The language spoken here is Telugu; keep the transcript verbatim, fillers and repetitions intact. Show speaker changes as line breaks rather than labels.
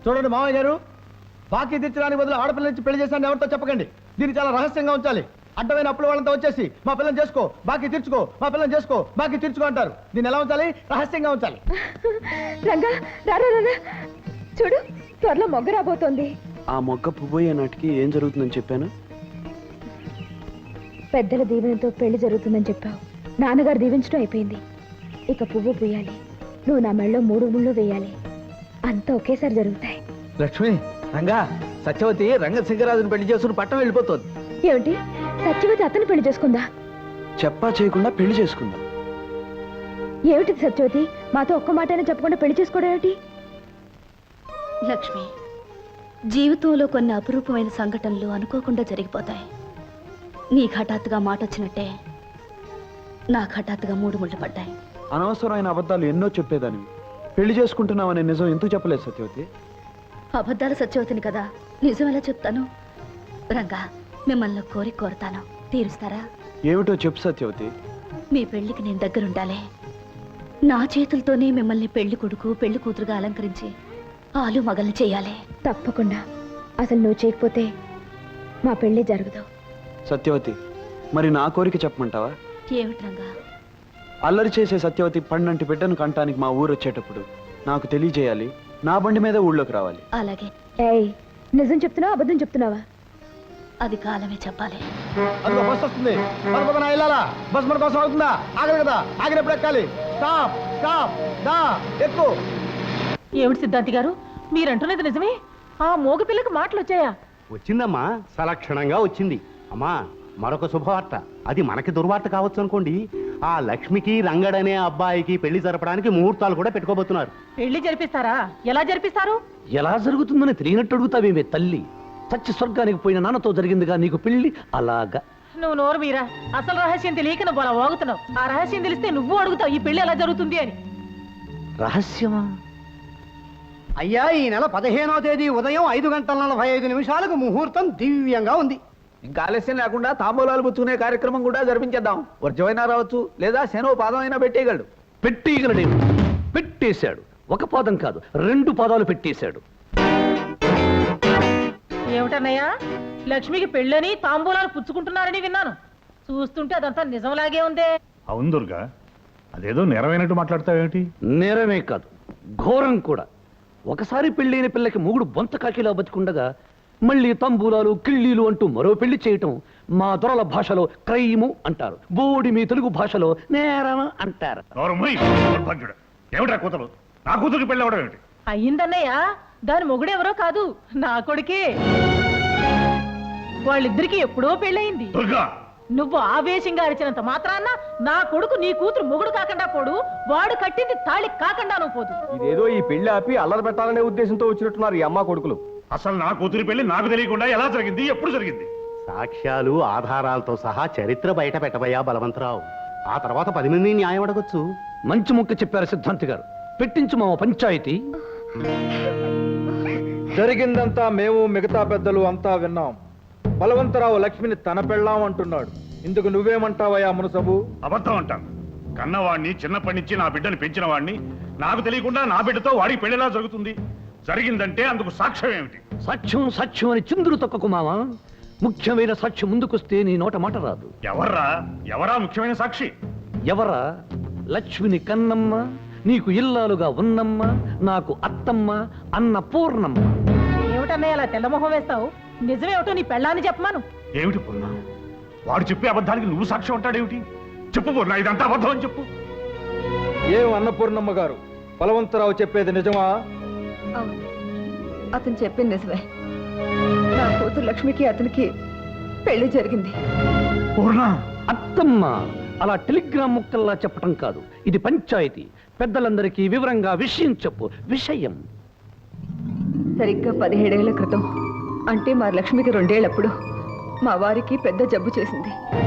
చూడండి మామయ్య గారు, బాకీ తీర్చడానికి బదులు ఆడపిల్ల నుంచి పెళ్లి చేశాను ఎవరితో చెప్పకండి. దీన్ని చాలా రహస్యంగా ఉంచాలి. అడ్డమైన అప్పుల వాళ్ళంతా వచ్చేసి మా పిల్లని చేసుకో, బాకీ తీర్చుకో, మా పిల్లని చేసుకో, బాకీ తీర్చుకో అంటారు. దీన్ని ఎలా ఉంచాలి? రహస్యంగా ఉంచాలి.
రంగా రారా రారా, చూడు త్వరలో మొగ్గ రాబోతోంది.
ఆ మొగ్గ పువ్వయ్యే నాటికి ఏం జరుగుతుందని చెప్పాను?
పెద్దల దీవెనతో పెళ్లి జరుగుతుందని చెప్పావు. నాన్నగారు దీవించడం అయిపోయింది. ఇక పువ్వు పూయాలి, నువ్వు నా మెళ్ళలో మూడు ముళ్ళు వేయాలి. అంతా ఒకేసారి జరుగుతాయి.
లక్ష్మి, రంగా, సత్యవతి రంగశంకరాజుని పెళ్లి చేసుకుని పట్టం వెళ్ళిపోతుంది.
ఏమిటి, సత్యవతి అతను పెళ్లి చేసుకుందా?
చెప్పా చేయకుండా పెళ్లి చేసుకుందా?
ఏమిటి సత్యవతి, మాతో ఒక్క మాటైనా చెప్పకుండా పెళ్లి చేసుకోవడం ఏమిటి?
లక్ష్మి, జీవితంలో కొన్ని అపురూపమైన సంఘటనలు అనుకోకుండా జరిగిపోతాయి. నీకు హఠాత్తుగా మాట వచ్చినట్టే నాకు హఠాత్తుగా మూడు ముళ్ళు పడ్డాయి.
అనవసరమైన అబద్ధాలు ఎన్నో చెప్పేదాన్ని. పెళ్లి చేసుకుంటున్నామనే నిజం ఎందుకు చెప్పలేదు సత్యవతి?
అబద్ధాలు సత్యవతిని కదా, నిజం ఎలా చెప్తాను? రంగా, మిమ్మల్ని కోరి కోరుతాను, తీరుస్తారా?
ఏమిటో చెప్పు సత్యవతి.
మీ పెళ్లికి నేను దగ్గరుండాలి. నా చేతులతోనే మిమ్మల్ని పెళ్లి కొడుకు పెళ్లి కూతురుగా అలంకరించి ఆలు మగల్ని చేయాలి.
తప్పకుండా. అసలు నువ్వు చేయకపోతే మా పెళ్లి జరగదు.
సత్యవతి, మరి నా కోరిక చెప్పమంటావా?
ఏమిటి రంగా?
అల్లరి చేసే సత్యవతి పండంటి బిడ్డను కంటానికి మా ఊరు వచ్చేటప్పుడు నాకు తెలియజేయాలి. నా బండి మీద ఊళ్ళోకి రావాలి.
అలాగే.
ఏయ్, నిజం చెప్తున్నావా అబద్ధం చెప్తున్నావా?
అది కాలమే చెప్పాలి.
అందులో బస్ వస్తుంది, మన పక్కన వెళ్ళాలా? బస్ మన కోసం అవుతుందా? ఆగదు కదా, ఆగినప్పుడు ఎక్కాలి. స్టాప్ స్టాప్ దా ఎక్కు.
ఏమిటి సిద్ధాంతి గారు, మీరంటున్నది నిజమే? ఆ మోగ పిల్లకి మాటలు వచ్చాయా?
వచ్చిందమ్మా, సలక్షణంగా వచ్చింది. అమ్మా, మరొక శుభవార్త. అది మనకి దుర్వార్త కావచ్చు అనుకోండి. ఆ లక్ష్మికి రంగడనే అబ్బాయికి పెళ్లి జరపడానికి ముహూర్తాలు కూడా పెట్టుకోబోతున్నారు.
పెళ్లి జరిపిస్తారా? ఎలా జరిపిస్తారు?
ఎలా జరుగుతుందని తెలియనట్టు అడుగుతావేమే తల్లి. చచ్చి స్వర్గానికి పోయిన నాన్నతో జరిగిందిగా నీకు పెళ్లి. అలాగా
నువ్వు నోరు మీరా, అసలు రహస్యం తెలియక నువ్వు అలా వాగుతున్నావు. ఆ రహస్యం తెలిస్తే నువ్వు అడుగుతావు ఈ పెళ్లి ఎలా జరుగుతుంది అని.
రహస్యమా?
అయ్యా, ఈ నెల పదిహేనో తేదీ ఉదయం ఐదు గంటల నలభై ఐదు నిమిషాలకు ముహూర్తం దివ్యంగా ఉంది.
ఇంకా ఆలస్యం లేకుండా తాంబూలాలు పుచ్చుకునే కార్యక్రమం కూడా జరిపించేద్దాం. వర్జమైనా రావచ్చు, లేదా శనో పాదం అయినా పెట్టేయగలడు.
పెట్టేయగలడేమో. పెట్టేశాడు. ఒక పాదం కాదు, రెండు పాదాలు పెట్టేశాడు.
ఏమిటన్నయ్యా, లక్ష్మికి పెళ్ళని తాంబూలాలు పుచ్చుకుంటున్నారని విన్నాను. చూస్తుంటే అదంతా నిజంలాగే ఉందే.
అవును దుర్గా, అదేదో నెరవేనట్టు మాట్లాడతావేమిటి?
నేరమే కాదు, ఘోరం కూడా. ఒకసారి పెళ్ళైన పిల్లకి మూగుడు బొంత కాకిలా బతికుండగా మళ్ళీ తంబూలాలు కిళ్ళీలు అంటూ మరో పెళ్లి చేయటం మా దొరల భాషలో క్రైము అంటారు. బోడి మీ తెలుగు భాషలో నేరం అంటారు.
ఏమిటా కూతురు? నా కూతురికి పెళ్ళి అవడం ఏమిటి?
అయ్యిందన్నయ్య, దాని మొగుడెవరో కాదు, నా కొడుకే. వాళ్ళిద్దరికి ఎప్పుడో పెళ్ళయింది.
దుర్గా,
నువ్వు ఆవేశంగా అరిచినంత మాత్రాన్న నా కొడుకు నీ కూతురు మొగుడు కాకుండా పోడు, వాడు కట్టింది తాళి కాకుండా నువ్వు పోదు.
ఇదేదో ఈ పెళ్లి ఆపి అల్లరి పెట్టాలనే ఉద్దేశంతో వచ్చినట్టున్నారు ఈ అమ్మ కొడుకులు.
అసలు నా కూతురి పెళ్లి నాకు తెలియకుండా ఎలా జరిగింది, ఎప్పుడు జరిగింది?
సాక్ష్యాలు ఆధారాలతో సహా చరిత్ర బయట పెట్టబోయా బలవంతరావు. ఆ తర్వాత పది మంది న్యాయం అడగొచ్చు.
మంచి ముక్క చెప్పారు సిద్ధాంతి గారు. పెట్టించు మా పంచాయతీ.
జరిగిందంతా మేము మిగతా పెద్దలు అంతా విన్నాం. బలవంతరావు లక్ష్మిని తన పెళ్ళాం అంటున్నాడు. ఇందుకు నువ్వేమంటావయ్యా మునసబు?
అబద్ధం అంటాను. కన్నవాడిని, చిన్నప్పటి నుంచి నా బిడ్డని పెంచిన వాడిని, నాకు తెలియకుండా నా బిడ్డతో వాడికి పెళ్లిలా జరుగుతుంది. జరిగిందంటే అందుకు సాక్ష్యం ఏమిటి?
సాక్ష్యం సాక్ష్యం అని చిందులు తొక్కకు మావా. ముఖ్యమైన సాక్ష్యం ముందుకొస్తే నీ నోట మాట రాదు.
ఎవర్రా ఎవరా ముఖ్యమైన సాక్షి?
ఎవరా? లక్ష్మిని కన్నమ్మ, నీకు ఇల్లాలుగా ఉన్నమ్మ, నాకు అత్తమ్మ, అన్న పూర్ణమ్మ.
ఏమిటన్నయ్య అలా తెల్లమొహం వేస్తావు? నిజమేమిటో నీ పెళ్ళాన్ని చెప్పమాను.
ఏమిటి పూర్ణ? వాడు చెప్పే అబద్ధానికి నువ్వు సాక్ష్యం అంటాడేమిటి? చెప్పు పూర్ణ, ఇదంతా అబద్ధం అని చెప్పు.
ఏం అన్నపూర్ణమ్మ గారు, బలవంతరావు చెప్పేది నిజమా?
అవును, అతను చెప్పింది నిజమే. నా కూతురు లక్ష్మికి అతనికి పెళ్లి జరిగింది.
పూర్ణ,
అత్తమ్మ అలా టెలిగ్రామ్ ముక్కల్లా చెప్పటం కాదు, ఇది పంచాయతీ. పెద్దలందరికీ వివరంగా విషయం చెప్పు. విషయం
సరిగ్గా పదిహేడేళ్ల క్రితం, అంటే మా లక్ష్మికి రెండేళ్లప్పుడు మా వారికి పెద్ద జబ్బు చేసింది.